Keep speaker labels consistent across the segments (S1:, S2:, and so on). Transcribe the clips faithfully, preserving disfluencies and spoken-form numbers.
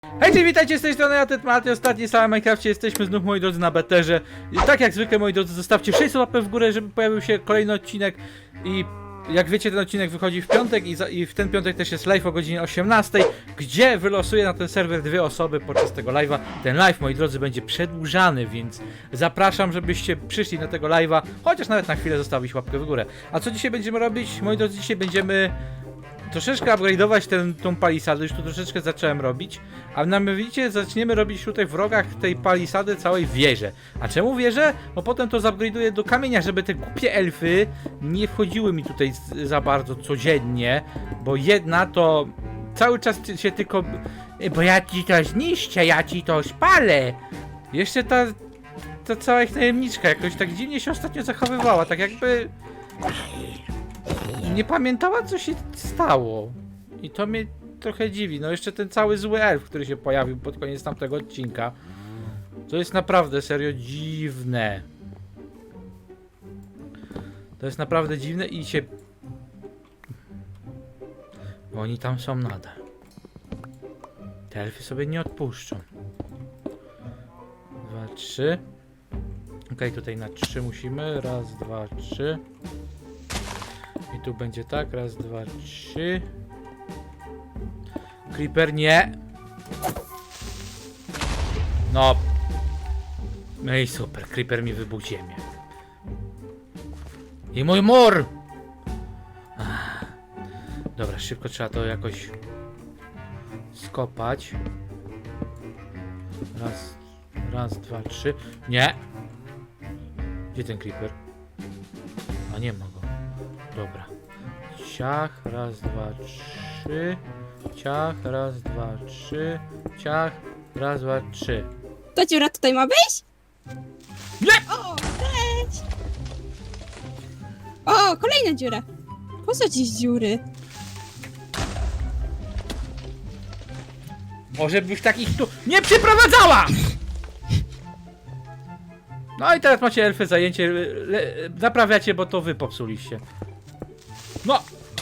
S1: Hejcie, witajcie z tej strony, ja Tetmaty, ostatni sam w Minecrafcie, jesteśmy znów, moi drodzy, na beterze. I tak jak zwykle, moi drodzy, zostawcie sześćset łapek w górę, żeby pojawił się kolejny odcinek. I jak wiecie, ten odcinek wychodzi w piątek i, za, i w ten piątek też jest live o godzinie osiemnastej, gdzie wylosuję na ten serwer dwie osoby podczas tego live'a. Ten live, moi drodzy, będzie przedłużany, więc zapraszam, żebyście przyszli na tego live'a, chociaż nawet na chwilę zostawić łapkę w górę. A co dzisiaj będziemy robić? Moi drodzy, dzisiaj będziemy troszeczkę upgrade'ować ten, tą palisadę, już tu troszeczkę zacząłem robić. A mianowicie zaczniemy robić tutaj w rogach tej palisady całej wieżę. A czemu wieżę? Bo potem to zupgrade'uję do kamienia, żeby te głupie elfy nie wchodziły mi tutaj za bardzo codziennie. Bo jedna to cały czas się tylko... Bo ja ci to zniszczę, ja ci to spalę. Jeszcze ta... ta cała ich tajemniczka jakoś tak dziwnie się ostatnio zachowywała, tak jakby... nie pamiętała, co się stało. I to mnie trochę dziwi. No jeszcze ten cały zły elf, który się pojawił pod koniec tamtego odcinka. To jest naprawdę serio dziwne. To jest naprawdę dziwne i się... Bo oni tam są nadal. Te elfy sobie nie odpuszczą. Dwa, trzy. Okej, okay, tutaj na trzy musimy. Raz, dwa, trzy. I tu będzie tak, raz, dwa, trzy. Creeper nie. No. No i super, Creeper mi wybuchł ziemię. I mój mur! Ach. Dobra, szybko trzeba to jakoś skopać. Raz, raz, dwa, trzy. Nie! Gdzie ten Creeper? A nie ma go. Dobra. Ciach, raz, dwa, trzy. Ciach, raz, dwa, trzy. Ciach, raz, dwa, trzy.
S2: To dziura tutaj ma być?
S1: Nie!
S2: O, cześć! O, kolejna dziura. Po co dziś dziury?
S1: Może byś takich tu nie przyprowadzała! No i teraz macie elfy zajęcie. Le, naprawiacie, bo to wy popsuliście. No!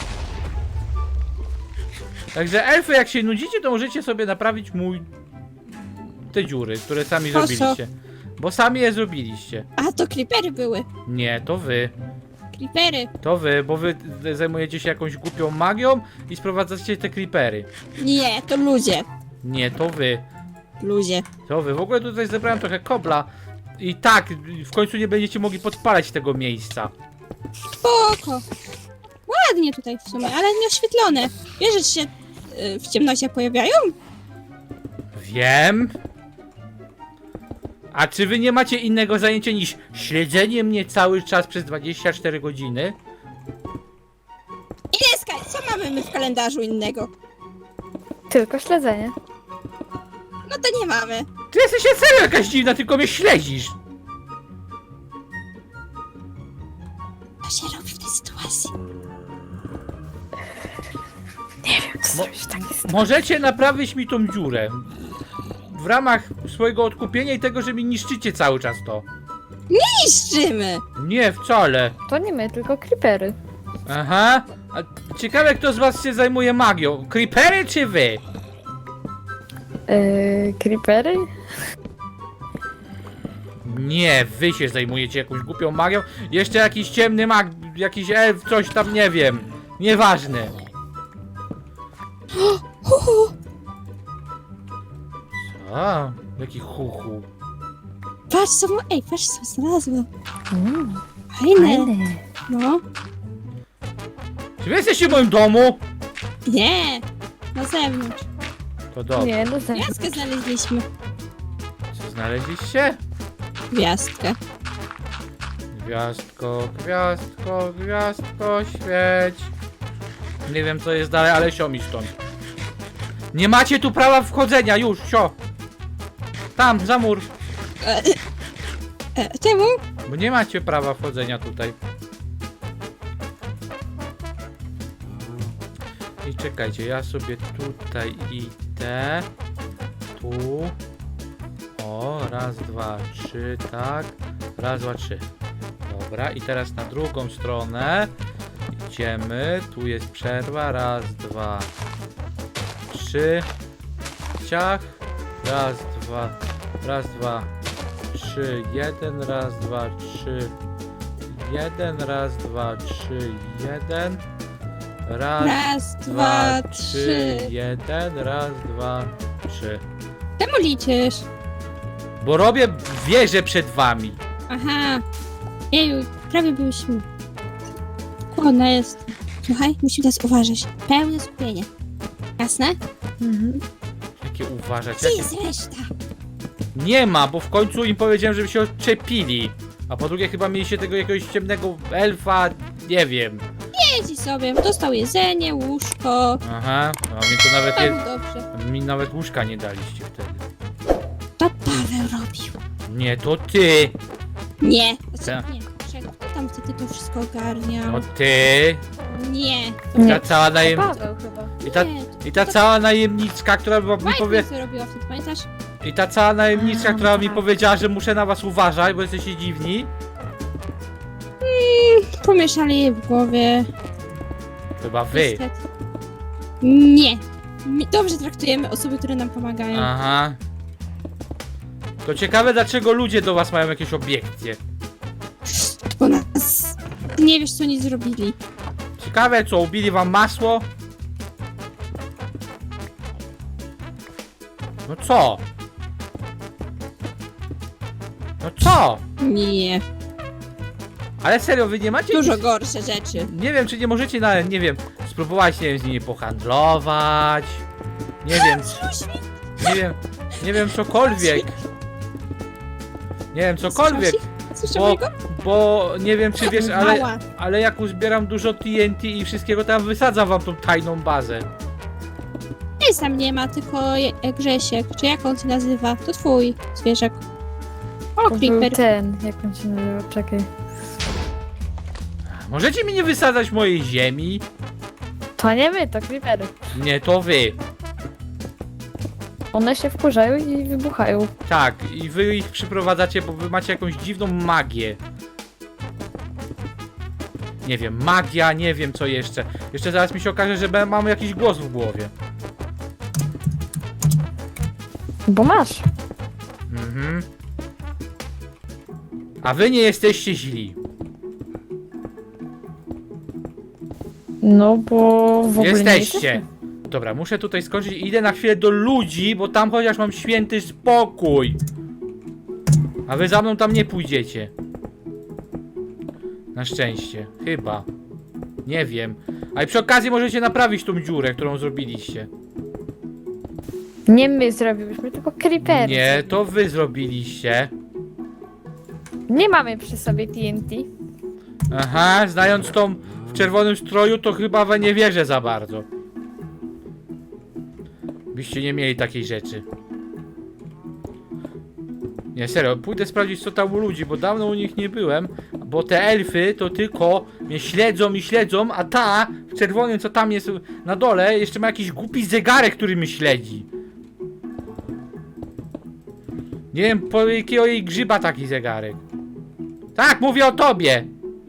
S1: Także elfy, jak się nudzicie, to możecie sobie naprawić mój... te dziury, które sami
S2: Po co?
S1: zrobiliście. Bo sami je zrobiliście.
S2: A, to creepery były.
S1: Nie, to wy.
S2: Creepery.
S1: To wy, bo wy zajmujecie się jakąś głupią magią i sprowadzacie te creepery.
S2: Nie, to ludzie.
S1: Nie, to wy.
S2: Ludzie.
S1: To wy. W ogóle tutaj zebrałem trochę kobla. I tak, w końcu nie będziecie mogli podpalać tego miejsca.
S2: Spoko. Ładnie tutaj w sumie, ale nieoświetlone. Wiesz, że się y, w ciemnościach pojawiają?
S1: Wiem. A czy wy nie macie innego zajęcia niż śledzenie mnie cały czas przez dwadzieścia cztery godziny?
S2: Ineska, co mamy my w kalendarzu innego?
S3: Tylko śledzenie.
S2: No to nie mamy.
S1: Ty jesteś serio jakaś dziwna, tylko mnie śledzisz.
S2: Co się robi w tej sytuacji?
S3: Nie wiem, co
S1: Mo-
S3: zrobić tak jest.
S1: Możecie naprawić mi tą dziurę. W ramach swojego odkupienia i tego, że mi niszczycie cały czas to.
S2: Niszczymy!
S1: Nie, wcale.
S3: To nie my, tylko creepery.
S1: Aha. A ciekawe, kto z was się zajmuje magią. Creepery czy wy?
S3: Yy, creepery?
S1: Nie, wy się zajmujecie jakąś głupią magią. Jeszcze jakiś ciemny mag, jakiś elf, coś tam, nie wiem. Nieważne.
S2: Hu, hu.
S1: Co? Jaki chuchu.
S2: Patrz co, ma- ej, patrz co znalazłam.
S3: Mm,
S2: Fajne.
S3: fajne.
S2: No.
S1: Czy wy jesteście w moim domu?
S2: Nie. Na zewnątrz.
S1: To dobrze.
S3: Nie, no za...
S2: Gwiazdkę znaleźliśmy.
S1: Co znaleźliście?
S2: Gwiazdkę.
S1: Gwiazdko, gwiazdko, gwiazdko, świeć. Nie wiem co jest dalej, ale sio mi stąd. Nie macie tu prawa wchodzenia, już, sio. Tam, za mur.
S2: E, e, czemu?
S1: Bo nie macie prawa wchodzenia tutaj. I czekajcie, ja sobie tutaj idę. Tu. O, raz, dwa, trzy, tak. Raz, dwa, trzy. Dobra, i teraz na drugą stronę. Idziemy. Tu jest przerwa. Raz, dwa, trzy. ciach. Raz, dwa, raz, dwa, trzy, jeden, raz, dwa, trzy, jeden, raz, dwa, trzy, jeden. Raz,
S2: Raz,
S1: dwa,
S2: dwa,
S1: trzy,
S2: trzy.
S1: jeden, raz, dwa, trzy.
S2: Czemu liczysz?
S1: Bo robię wieżę przed wami.
S2: Aha. Jeju, prawie byliśmy. Chłodna jest. Słuchaj, musimy teraz uważać. Pełne skupienie. Jasne?
S3: Mhm.
S1: Jakie uważać?
S2: Gdzie
S1: Jakie...
S2: jest reszta?
S1: Nie ma, bo w końcu im powiedziałem, żeby się odczepili. A po drugie chyba mieliście tego jakiegoś ciemnego elfa, nie wiem.
S2: Jedzi sobie, dostał jedzenie, łóżko.
S1: Aha, a mi to nawet
S2: Panu
S1: nie,
S2: dobrze.
S1: mi nawet łóżka nie daliście wtedy.
S2: To Paweł robił.
S1: Nie, to ty!
S2: Nie.
S1: Co?
S2: Znaczy, nie. Czekaj, kto tam wtedy to wszystko ogarniał?
S1: To ty!
S2: Nie.
S1: I
S3: Nie.
S1: ta cała najem...
S3: Paweł chyba.
S1: I ta,
S2: Nie.
S1: i ta cała najemniczka, która była, mi
S2: Majka
S1: powie...
S2: co robiła wtedy, pamiętasz?
S1: I ta cała najemniczka,
S3: A,
S1: która mi
S3: tak.
S1: powiedziała, że muszę na was uważać, bo jesteście dziwni.
S2: Pomieszali je w głowie.
S1: Chyba wy.
S2: Niestety. Nie. My dobrze traktujemy osoby, które nam pomagają.
S1: Aha. To ciekawe, dlaczego ludzie do was mają jakieś obiekcje.
S2: Bo nas... Nie wiesz, co oni zrobili.
S1: Ciekawe co, ubili wam masło? No co? No co?
S2: Nie.
S1: Ale serio, wy nie macie...
S2: Dużo
S1: nic-
S2: gorsze rzeczy.
S1: Nie wiem, czy nie możecie nawet, nie wiem, spróbować, nie wiem, z nimi pohandlować. Nie wiem, nie wiem, nie wiem, cokolwiek. Nie wiem, cokolwiek.
S2: Słyszę
S1: Bo,
S2: mojego?
S1: bo nie wiem, czy wiesz, ale,
S2: Mała.
S1: ale jak uzbieram dużo T N T i wszystkiego, tam wysadzam wam tą tajną bazę.
S2: Nie, sam nie ma, tylko je- Grzesiek. Czy jak on się nazywa? To twój zwierzak. O,
S3: To był
S2: Creeper.
S3: ten, jak on się nazywa, czekaj.
S1: Możecie mi nie wysadzać mojej ziemi?
S3: To nie my, to creepery.
S1: Nie, to wy.
S3: One się wkurzają i wybuchają.
S1: Tak, i wy ich przyprowadzacie, bo wy macie jakąś dziwną magię. Nie wiem, magia, nie wiem co jeszcze. Jeszcze zaraz mi się okaże, że be- mam jakiś głos w głowie.
S3: Bo masz.
S1: Mhm. A wy nie jesteście źli.
S3: No bo w ogóle nie
S1: Jesteście.
S3: jesteśmy.
S1: Dobra, muszę tutaj skończyć i idę na chwilę do ludzi, bo tam chociaż mam święty spokój. A wy za mną tam nie pójdziecie. Na szczęście. Chyba. Nie wiem. A i przy okazji możecie naprawić tą dziurę, którą zrobiliście.
S3: Nie my zrobiłyśmy, tylko creepery.
S1: Nie, to wy zrobiliście.
S3: Nie mamy przy sobie T N T.
S1: Aha, znając tą w czerwonym stroju, to chyba we nie wierzę za bardzo. Byście nie mieli takiej rzeczy. Nie, serio, pójdę sprawdzić co tam u ludzi, bo dawno u nich nie byłem. Bo te elfy to tylko mnie śledzą i śledzą, a ta w czerwonym co tam jest na dole jeszcze ma jakiś głupi zegarek, który mnie śledzi. Nie wiem po jakiego jej grzyba taki zegarek. Tak, mówię o tobie!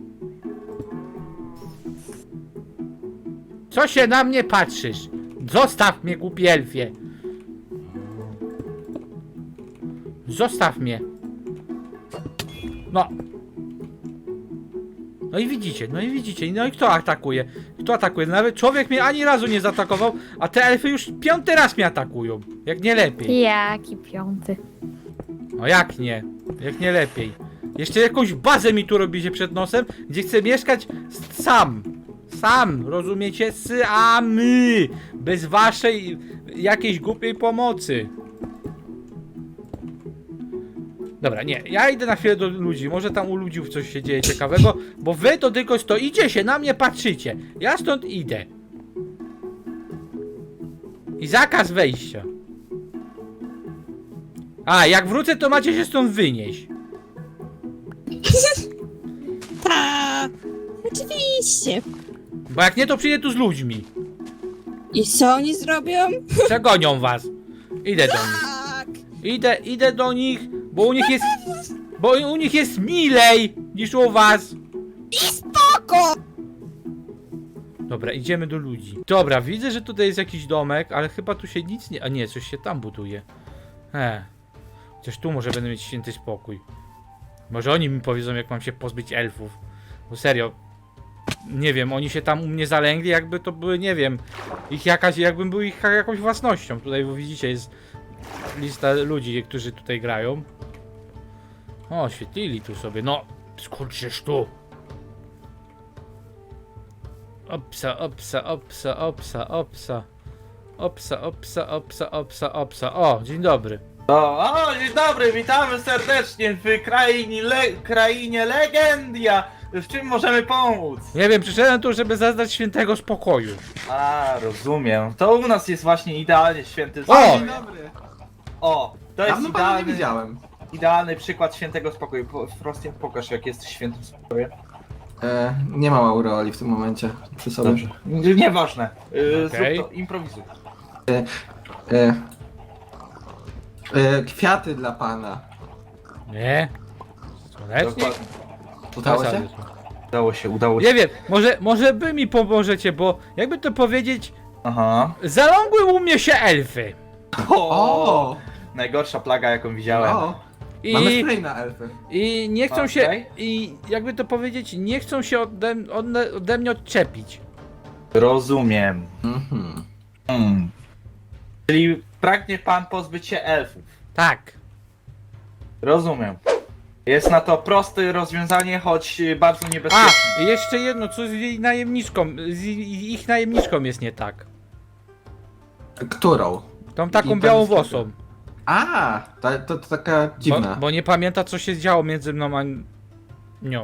S1: Co się na mnie patrzysz? Zostaw mnie, głupi elfie! Zostaw mnie! No! No i widzicie, no i widzicie, no i kto atakuje? Kto atakuje? Nawet człowiek mnie ani razu nie zaatakował, a te elfy już piąty raz mnie atakują. Jak nie lepiej.
S3: Jaki piąty.
S1: No jak nie? Jak nie lepiej? Jeszcze jakąś bazę mi tu robicie przed nosem, gdzie chcę mieszkać s- sam. Sam, rozumiecie? Samy! Bez waszej jakiejś głupiej pomocy. Dobra, nie, ja idę na chwilę do ludzi, może tam u ludzi coś się dzieje ciekawego, bo wy to tylko stoicie się, na mnie patrzycie. Ja stąd idę. I zakaz wejścia. A, jak wrócę, to macie się stąd wynieść.
S2: Ta. Oczywiście.
S1: Bo jak nie, to przyjdę tu z ludźmi.
S2: I co oni zrobią?
S1: Przegonią was. Idę do nich.
S2: Tak.
S1: Idę, idę do nich, bo u nich jest... Bo u nich jest milej niż u was.
S2: I spoko!
S1: Dobra, idziemy do ludzi. Dobra, widzę, że tutaj jest jakiś domek, ale chyba tu się nic nie... A nie, coś się tam buduje. He. Chociaż tu może będę mieć święty spokój. Może oni mi powiedzą, jak mam się pozbyć elfów. Bo serio, nie wiem, oni się tam u mnie zalęgli, jakby to były, nie wiem, ich jakaś, jakbym był ich jakąś własnością. Tutaj, bo widzicie, jest lista ludzi, którzy tutaj grają. O, świetlili tu sobie, no, skurczysz tu. Opsa, opsa, opsa, opsa, opsa. Opsa, opsa, opsa, opsa, opsa. O, dzień dobry.
S4: O, o, dzień dobry, witamy serdecznie w krainie, le, krainie Legendia. W czym możemy pomóc?
S1: Nie wiem, przyszedłem tu, żeby zaznać świętego spokoju.
S4: A, rozumiem. To u nas jest właśnie idealnie święty
S1: O!
S4: spokój.
S5: Dzień dobry.
S4: O, to jest
S5: Dawno pana nie
S4: idealny,
S5: widziałem.
S4: idealny przykład świętego spokoju. Po- Frosty, pokaż, jak jesteś świętym spokojem.
S5: E, nie mam aureoli w tym momencie przy sobie.
S4: Dobrze. Nieważne. Yy,
S1: Okej.
S4: Zrób to, improwizuj.
S5: E, e, kwiaty dla pana.
S1: Nie? Słonecznie?
S4: Dokładnie.
S5: Udało
S1: Zasady
S5: się?
S1: są.
S4: Udało się, udało się.
S1: Nie wiem, może, może wy mi pomożecie, bo jakby to powiedzieć,
S4: Aha.
S1: zalągły u mnie się elfy.
S4: O!
S5: O!
S4: Najgorsza plaga, jaką widziałem.
S5: o mamy
S1: I,
S5: spray na elfy.
S1: i nie chcą
S4: Okej.
S1: się, i jakby to powiedzieć, nie chcą się ode, ode, ode mnie odczepić.
S4: Rozumiem.
S5: Mhm.
S4: Hmm. Czyli pragnie pan pozbyć się elfów.
S1: Tak.
S4: Rozumiem. Jest na to proste rozwiązanie, choć bardzo
S1: A,
S4: niebezpieczne.
S1: i jeszcze jedno, co z jej najemniczką, z i- ich najemniczką jest nie tak.
S5: Którą?
S1: Tą taką
S5: I ten
S1: białą
S5: sklepie.
S1: włosą.
S5: A, to, to, to taka
S1: Bo,
S5: dziwna.
S1: bo nie pamięta, co się działo między mną a nią.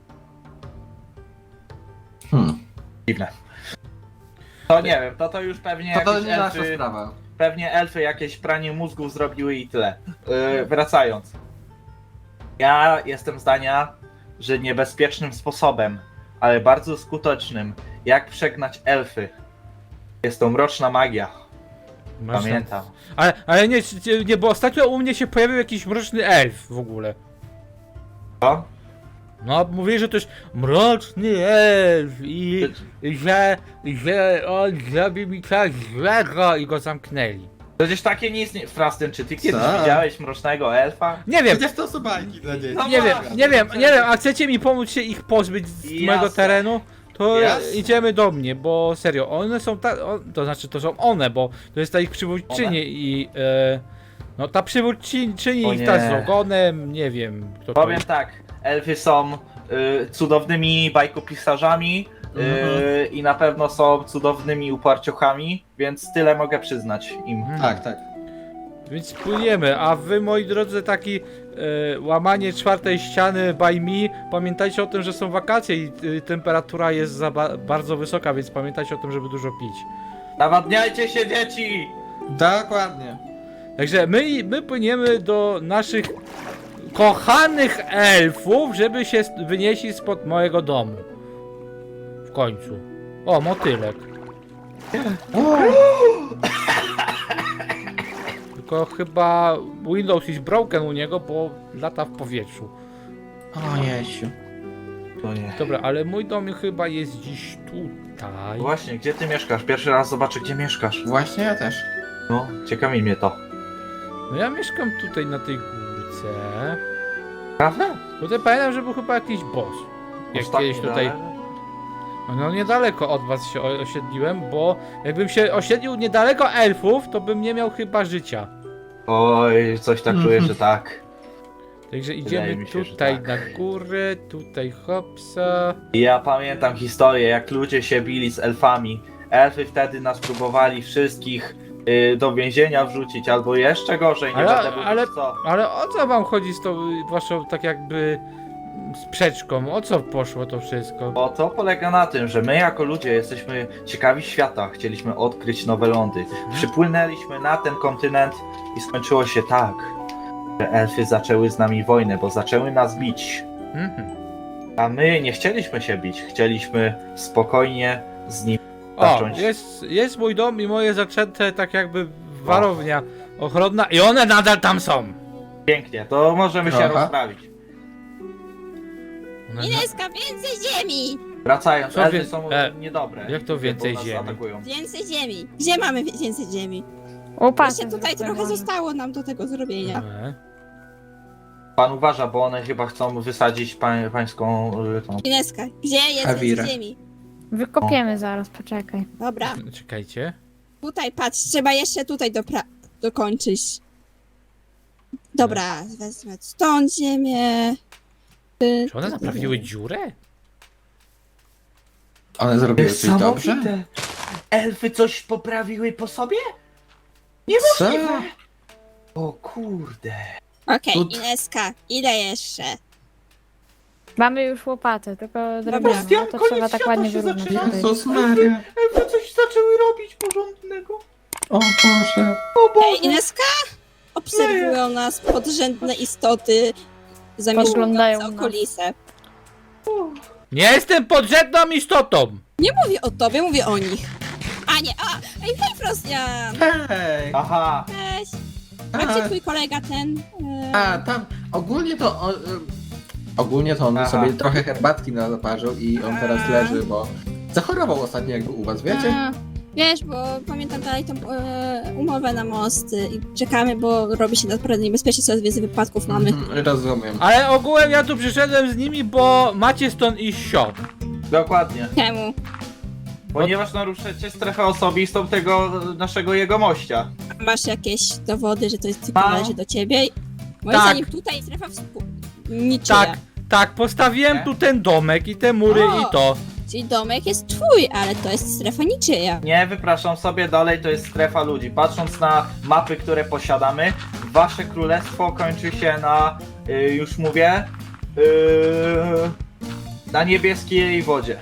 S5: Hmm.
S4: Dziwne. To nie wiem, to to już pewnie
S5: To, to
S4: jakieś
S5: nie nasza
S4: elfy,
S5: sprawa.
S4: pewnie elfy jakieś pranie mózgów zrobiły i tyle. Yy, wracając. Ja jestem zdania, że niebezpiecznym sposobem, ale bardzo skutecznym, jak przegnać elfy, jest to mroczna magia.
S1: Masz
S4: Pamiętam.
S1: Ale, ale nie, nie, nie, bo ostatnio u mnie się pojawił jakiś mroczny elf w ogóle.
S4: Co?
S1: No, mówili, że to jest mroczny elf i że, że on zrobi mi coś złego i go zamknęli.
S4: Przecież takie nie istnieje. Frastyn, czy ty kiedyś
S5: Co?
S4: widziałeś mrocznego elfa?
S1: Nie wiem,
S5: Przecież to są bajki dla dzieci.
S4: No
S1: nie wiem,
S4: właśnie.
S1: nie wiem, nie wiem, a chcecie mi pomóc się ich pozbyć z
S4: Jasne.
S1: mojego terenu? To
S4: Jasne.
S1: idziemy do mnie, bo serio, one są ta, o, to znaczy to są one, bo to jest ta ich przywódczyni
S4: One?
S1: i e, no ta przywódczyni
S4: O
S1: ich ta z
S4: nie.
S1: ogonem, nie wiem kto to
S4: Powiem
S1: jest.
S4: tak, elfy są y, cudownymi bajkopisarzami y, i na pewno są cudownymi uparciochami, więc tyle mogę przyznać im.
S1: Mhm.
S5: Tak, tak.
S1: Więc płyniemy, a wy moi drodzy taki e, łamanie czwartej ściany by me, pamiętajcie o tym, że są wakacje i y, temperatura jest za ba bardzo wysoka, więc pamiętajcie o tym, żeby dużo pić.
S4: Nawadniajcie się, dzieci!
S5: Dokładnie.
S1: Także my, my płyniemy do naszych kochanych elfów, żeby się st- wynieśli spod mojego domu. W końcu. O, motylek. Tylko chyba Windows is broken u niego, bo lata w powietrzu.
S5: O Jesiu.
S4: To nie.
S1: Dobra, ale mój dom chyba jest dziś tutaj.
S4: Właśnie, gdzie ty mieszkasz? Pierwszy raz zobaczę, gdzie mieszkasz.
S5: Właśnie ja też.
S4: No, ciekawi mnie to.
S1: No ja mieszkam tutaj na tej górce.
S4: Prawda?
S1: Tutaj pamiętam, że był chyba jakiś boss. Jak
S4: Ostatni
S1: kiedyś tutaj.
S4: dalej.
S1: No niedaleko od was się o- osiedliłem, bo jakbym się osiedlił niedaleko elfów, to bym nie miał chyba życia.
S4: Oj, coś tak czuję, że tak.
S1: Także idziemy
S4: mi się, że
S1: tutaj
S4: tak.
S1: na górę, tutaj hopsa.
S4: Ja pamiętam historię, jak ludzie się bili z elfami. Elfy wtedy nas próbowali wszystkich y, do więzienia wrzucić, albo jeszcze gorzej, nie
S1: Ale-
S4: będę mówić
S1: ale-
S4: co.
S1: Ale o co wam chodzi z tą y, waszą tak jakby mm, sprzeczką? O co poszło to wszystko?
S4: Bo to polega na tym, że my jako ludzie jesteśmy ciekawi świata, chcieliśmy odkryć nowe lądy. Przypłynęliśmy na ten kontynent i skończyło się tak, że elfy zaczęły z nami wojnę, bo zaczęły nas bić.
S1: Mhm.
S4: A my nie chcieliśmy się bić, chcieliśmy spokojnie z nimi.
S1: O,
S4: Zacząć.
S1: jest, jest mój dom i moje zaczęte tak jakby warownia ochronna i one nadal tam są.
S4: Pięknie, to możemy się
S5: Aha.
S4: rozprawić.
S1: One na-
S2: Ineska, więcej ziemi!
S4: Wracając,
S1: Co
S4: elfy
S1: wie-
S4: są
S1: e,
S4: niedobre.
S1: jak to więcej
S4: bo nas
S1: ziemi?
S4: Atakują.
S2: Więcej ziemi. Gdzie mamy więcej ziemi?
S3: Łopatę
S2: Jeszcze tutaj
S3: zróbmy
S2: trochę
S3: może.
S2: zostało nam do tego zrobienia.
S1: E,
S4: Pan uważa, bo one chyba chcą wysadzić pań, pańską y, tą.
S2: Ineska, gdzie jest
S5: Awira.
S2: więcej ziemi?
S3: Wykopiemy zaraz, poczekaj.
S2: Dobra,
S1: Czekajcie.
S2: tutaj patrz, trzeba jeszcze tutaj dopra- dokończyć. Dobra, wezmę stąd ziemię. Ty-
S1: Czy one naprawiły dziurę?
S5: One zrobiły coś dobrze?
S4: Niesamowite. Elfy coś poprawiły po sobie?
S5: Co?
S4: O kurde.
S2: Okej,
S5: Tu-
S2: Ineska, ile jeszcze?
S3: Mamy już łopatę, tylko drewnianą,
S4: Bastian,
S3: no to
S4: koniec
S3: trzeba tak
S4: świata
S3: ładnie
S4: się
S3: wyrównać.
S4: zaczyna.
S3: tutaj.
S5: Jezus Maria.
S4: Elfy coś zaczęły robić porządnego.
S5: O Boże.
S4: O Boże.
S2: Ej, Ineska? Obserwują nas podrzędne istoty zamieszkujące
S3: Podglądają nas.
S2: okolice.
S1: Nie jestem podrzędną istotą!
S2: Nie mówię o tobie, mówię o nich. A nie, a, ej, hej Frostian!
S5: Hej!
S4: Aha.
S2: Cześć! A gdzie twój kolega ten? E,
S5: A, tam, ogólnie to on, ym, ogólnie to on
S4: Aha.
S5: sobie trochę herbatki na zaparzył i on teraz
S2: A.
S5: leży, bo zachorował ostatnio jakby u was, wiecie?
S2: a, wiesz, bo pamiętam dalej tą e, umowę na mosty i czekamy, bo robi się naprawdę niebezpiecznie, coraz więcej wypadków mamy.
S5: Mhm, rozumiem.
S1: Ale ogółem ja tu przyszedłem z nimi, bo macie stąd iść sio.
S4: Dokładnie.
S2: Czemu?
S4: Ponieważ naruszacie strefę osobistą tego naszego jegomościa.
S2: Masz jakieś dowody, że to jest tylko
S4: Mam.
S2: należy do ciebie? Moim
S1: Tak.
S2: zdaniem tutaj strefa współ... niczyja.
S1: Tak, tak, postawiłem
S4: Nie?
S1: tu ten domek i te mury
S2: O!
S1: i to.
S2: Czyli domek jest twój, ale to jest strefa niczyja.
S4: Nie, wypraszam sobie dalej, to jest strefa ludzi. Patrząc na mapy, które posiadamy, wasze królestwo kończy się na, y, już mówię, y, na niebieskiej wodzie.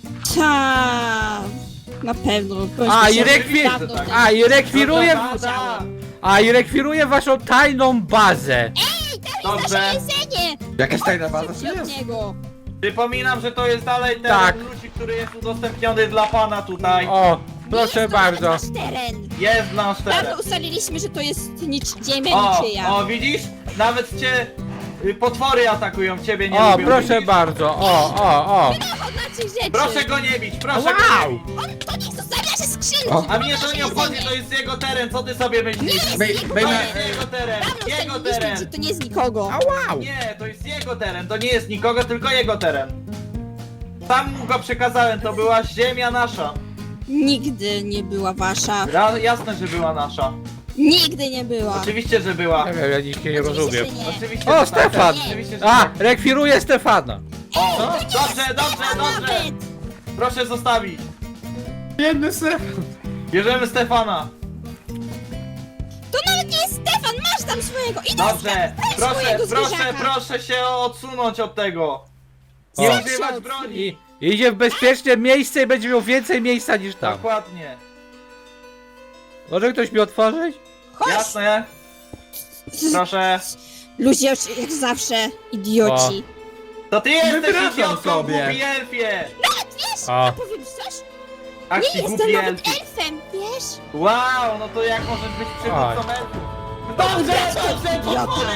S2: Ta, na pewno.
S1: A, i
S2: się
S1: rekwi-
S2: dawno
S4: tak.
S2: wtedy
S1: A i rekwiruję,
S4: No to bada.
S1: a i rekwiruję waszą tajną bazę.
S4: Dobrze.
S2: jedzenie!
S5: Jakaś tajna baza czy
S2: Od
S5: jest?
S2: niego.
S4: Przypominam, że to jest dalej teren
S1: Tak.
S4: ludzi, który jest udostępniony dla pana tutaj.
S1: O, proszę
S2: Jest to
S1: bardzo.
S2: nasz teren.
S4: Jest nasz teren.
S2: Dawno ustaliliśmy, że to jest nic, ziemia
S4: O,
S2: niczyja.
S4: o, widzisz? Nawet cię y, potwory atakują, ciebie nie
S1: O,
S4: lubią.
S1: proszę
S4: widzisz?
S1: bardzo, o, o, o.
S2: Od naszych rzeczy.
S4: Proszę go nie bić, proszę
S1: Wow.
S4: go nie bić.
S2: On to niech zostawia się skrzynki.
S5: O.
S4: A mnie to nie obchodzi, to jest jego teren, co ty sobie myślisz?
S2: Nie
S5: Bej-
S2: jest jego
S5: bej-
S4: To
S2: teren.
S4: jest jego teren,
S2: Dawno
S4: jego
S2: ustaliliśmy, że
S4: teren.
S2: to nie jest nikogo.
S1: Wow.
S4: Nie, to jest jego teren, to nie jest nikogo, tylko jego teren. Sam mu go przekazałem, to była ziemia nasza.
S2: Nigdy nie była wasza.
S4: Ra jasne, że była nasza.
S2: Nigdy nie była.
S4: Oczywiście, że była.
S1: Nie wiem, ja nic nie
S2: Oczywiście,
S1: rozumiem.
S2: że nie.
S4: Oczywiście,
S1: O,
S4: że tak.
S1: Stefan!
S4: Oczywiście, że
S1: A,
S4: tak.
S1: rekwiruję Stefana.
S4: O, dobrze, dobrze,
S2: A
S4: dobrze.
S2: nawet!
S4: Proszę zostawić.
S5: Biedny Stefan.
S4: Bierzemy Stefana.
S2: To nawet nie jest Stefan, masz tam swojego. Idę
S4: Dobrze, proszę,
S2: swojego
S4: proszę,
S2: zwierzaka.
S4: proszę się odsunąć od tego.
S1: O.
S4: Nie
S2: Sam się
S4: używać
S2: odsuń.
S4: broni.
S1: I idzie w bezpieczne miejsce i będzie miał więcej miejsca niż tam.
S4: Dokładnie.
S1: Może ktoś mi otworzyć?
S2: Chodź!
S4: Jasne. Proszę.
S2: Ludzie jak zawsze, idioci.
S4: To ty jesteś
S5: Wypraszam
S4: idiotą,
S5: sobie.
S4: głupi elfie.
S2: Wiesz,
S1: O.
S2: powiem coś?
S4: Ach,
S2: Nie
S4: ci
S2: jestem
S4: głupi
S2: nawet
S4: elfie.
S2: elfem, wiesz?
S4: Wow, no to jak możesz być przywódcą elfów? Dobrze, dobrze,
S2: Idiota.
S4: potwory.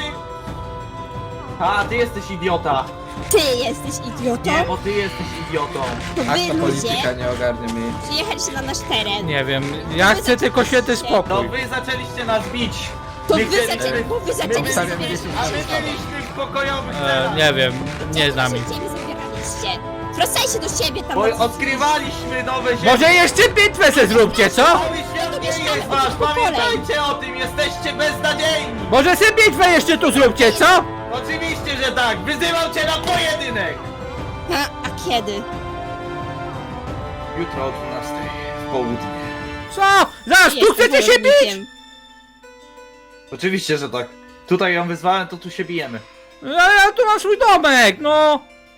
S4: A, ty jesteś idiota.
S2: Ty jesteś idiotą?
S4: Nie, bo ty jesteś idiotą.
S2: To
S5: Aż
S2: wy
S5: ta
S2: ludzie
S5: polityka nie ogarnia mnie.
S2: przyjechaliście na nasz teren.
S1: Nie wiem, ja chcę tylko święty
S4: To
S1: spokój.
S4: wy zaczęliście nas bić.
S2: To
S4: My
S2: wy
S4: chcieliśmy-
S2: zaczęli, bo wy zaczęliście
S5: Obstawiam
S2: zabierać
S5: dziesięć
S4: A my
S2: nasze ziemię.
S4: byliśmy w pokojowych
S1: E,
S4: celach.
S1: nie wiem, nie znam
S2: Nasze
S1: ich.
S2: ziemię zabieraliście. Wracajcie do siebie tam.
S4: Bo
S2: na-
S4: odkrywaliśmy nowe ziemie.
S1: Może jeszcze bitwę se zróbcie, co?
S4: Cały świat nie
S2: mieszkamy
S4: jest
S2: od
S4: wasz,
S2: dwóch pokoleń.
S4: pamiętajcie o tym, jesteście beznadziejni.
S1: Może se bitwę jeszcze tu zróbcie, co?
S4: Oczywiście, że tak, wyzywam cię na pojedynek.
S2: A, a kiedy?
S4: Jutro o dwunastej w południe.
S1: Co? Zaraz, tu
S2: Jestem
S1: chcecie się bić?
S2: wojownikiem.
S4: Oczywiście, że tak. Tutaj ją wyzwałem, to tu się bijemy.
S1: Ja, ja tu mam swój domek, no.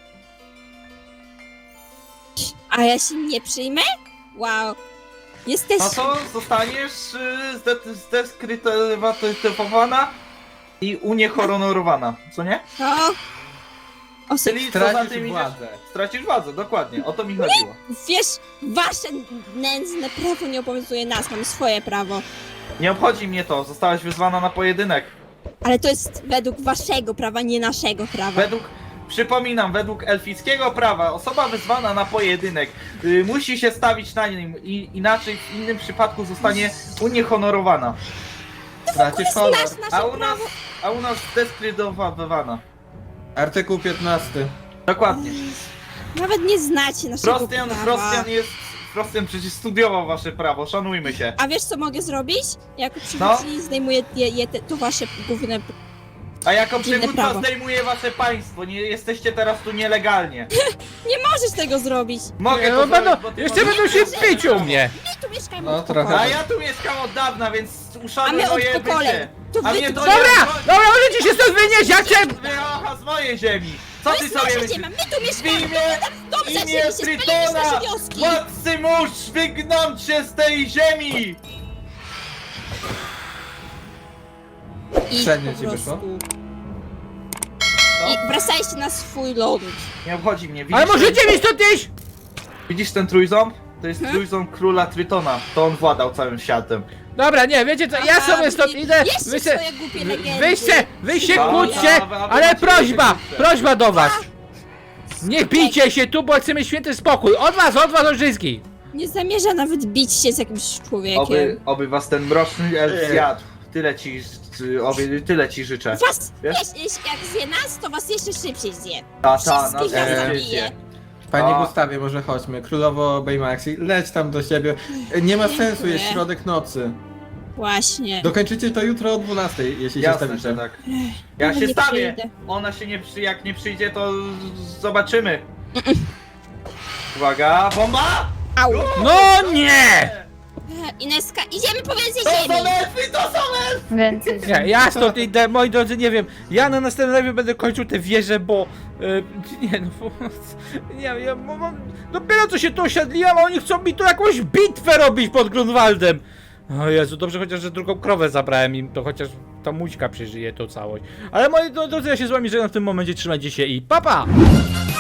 S2: A ja się nie przyjmę? Wow. Jesteś...
S4: No to zostaniesz y, zde- zdeskrytywowana i uniehonorowana, co nie?
S2: No. O,
S4: Czyli co za
S5: Tracisz
S4: tym idziesz?
S5: władzę.
S4: Stracisz władzę, dokładnie, o to mi chodziło.
S2: wiesz, wasze nędzne prawo nie obowiązuje nas, mamy swoje prawo.
S4: Nie obchodzi mnie to, zostałaś wyzwana na pojedynek.
S2: Ale to jest według waszego prawa, nie naszego prawa.
S4: Według, Przypominam, według elfickiego prawa osoba wezwana na pojedynek y, musi się stawić na nim i inaczej w innym przypadku zostanie uniehonorowana.
S5: Tracisz honor.
S2: Znasz nasze
S4: A u nas,
S2: prawo.
S4: a u nas deskrydowana.
S5: Artykuł piętnasty.
S4: Dokładnie.
S2: Nawet nie znacie naszego
S4: Frostian,
S2: prawa.
S4: Frostian jest... Frostian przecież studiował wasze prawo, szanujmy się.
S2: A wiesz co mogę zrobić? Jako
S4: No.
S2: przywódczyni zdejmuję je, je te, to wasze główne...
S4: A jako
S2: Dziwne
S4: przywódca
S2: prawo.
S4: zdejmuje wasze państwo, nie jesteście teraz tu nielegalnie.
S2: Nie możesz tego zrobić!
S4: Mogę
S1: Nie,
S4: to
S1: no będą,
S4: zrobić, bo ty
S1: jeszcze
S4: możesz-
S1: będą się pić u mnie.
S2: My tu mieszkamy
S5: No,
S2: od
S5: trochę.
S2: pokoleń.
S4: A ja tu mieszkam od dawna, więc
S2: A
S4: uszanuj
S2: my od
S4: moje
S2: pokoleń.
S4: bycie.
S2: To
S4: A
S2: wy
S4: mnie
S2: tu...
S4: to
S1: Dobra,
S4: nie...
S1: dobra, możecie się stąd wynieść, ja chcę...
S4: Wyrocha z mojej ziemi! Co
S2: To
S4: ty
S2: jest
S4: sobie
S2: nasza
S4: myślisz?
S2: ziemia, my tu
S4: W
S2: mieszkamy!
S4: imię,
S2: Dobrze,
S4: imię
S2: chcieliście spalić
S4: Tritona!
S2: nasze wioski!
S4: Władcy mórz, wygnąć się z tej ziemi!
S2: I
S5: Średnio
S2: po
S5: ci wyszło?
S2: prostu...
S4: No,
S2: I wracajcie na swój ląd.
S4: nie obchodzi mnie, widzisz,
S1: Ale
S4: ten,
S1: możecie mi stąd iść?
S4: widzisz ten trójząb? To jest
S2: Hmm?
S4: trójząb króla Tritona, to on władał całym światem.
S1: Dobra, nie, wiecie co, ja
S2: Aha,
S1: sobie stąd
S2: wy-
S1: idę,
S2: Jeszcze
S1: wy se...
S2: swoje głupie legendy.
S1: Wy się, wy się
S4: Dobra,
S1: kłóćcie,
S4: dobra,
S1: ale
S4: macie
S1: prośba,
S4: jeszcze.
S1: prośba do was. Nie bijcie się tu, bo chcemy święty spokój. Od was, od was, od wszystkich.
S2: Nie zamierza nawet bić się z jakimś człowiekiem.
S4: Oby, oby was ten mroczny elf
S5: Nie.
S4: zjadł. Tyle ci, oby, tyle ci życzę.
S2: Was,
S4: Wiesz?
S2: wiesz, jeśli- jak zje nas, to was jeszcze szybciej zje.
S4: Ta, ta, na
S2: Wszystkich nas
S5: e,
S2: zabije.
S5: Panie
S4: A.
S5: Gustawie, może chodźmy. Królowo Baymaxi, leć tam do siebie. Nie ma sensu,
S2: Dziękuję.
S5: jest środek nocy.
S2: Właśnie.
S5: Dokończycie to jutro o dwunastej, jeśli się
S4: Jasne,
S5: stawicie.
S4: że tak. Ja
S2: Nawet
S4: się
S2: nie
S4: stawię.
S2: przyjdę.
S4: Ona się nie przy... jak nie przyjdzie, to z- zobaczymy. Uwaga, bomba!
S2: Au.
S1: No nie!
S2: E, Ineska, idziemy po więcej
S4: To
S2: ziemi.
S4: są elfy, to są elfy!
S3: Więcej.
S1: Nie, ja stąd idę, moi drodzy, nie wiem. Ja na następnym live będę kończył te wieże, bo... y, nie no, bo, nie ja mam... Dopiero co się tu osiadliłem, a oni chcą mi tu jakąś bitwę robić pod Grunwaldem. O Jezu, dobrze chociaż, że drugą krowę zabrałem im, to chociaż ta mućka przeżyje tą całość. Ale moi drodzy, ja się z wami żegnam w tym momencie, trzymajcie się i pa pa!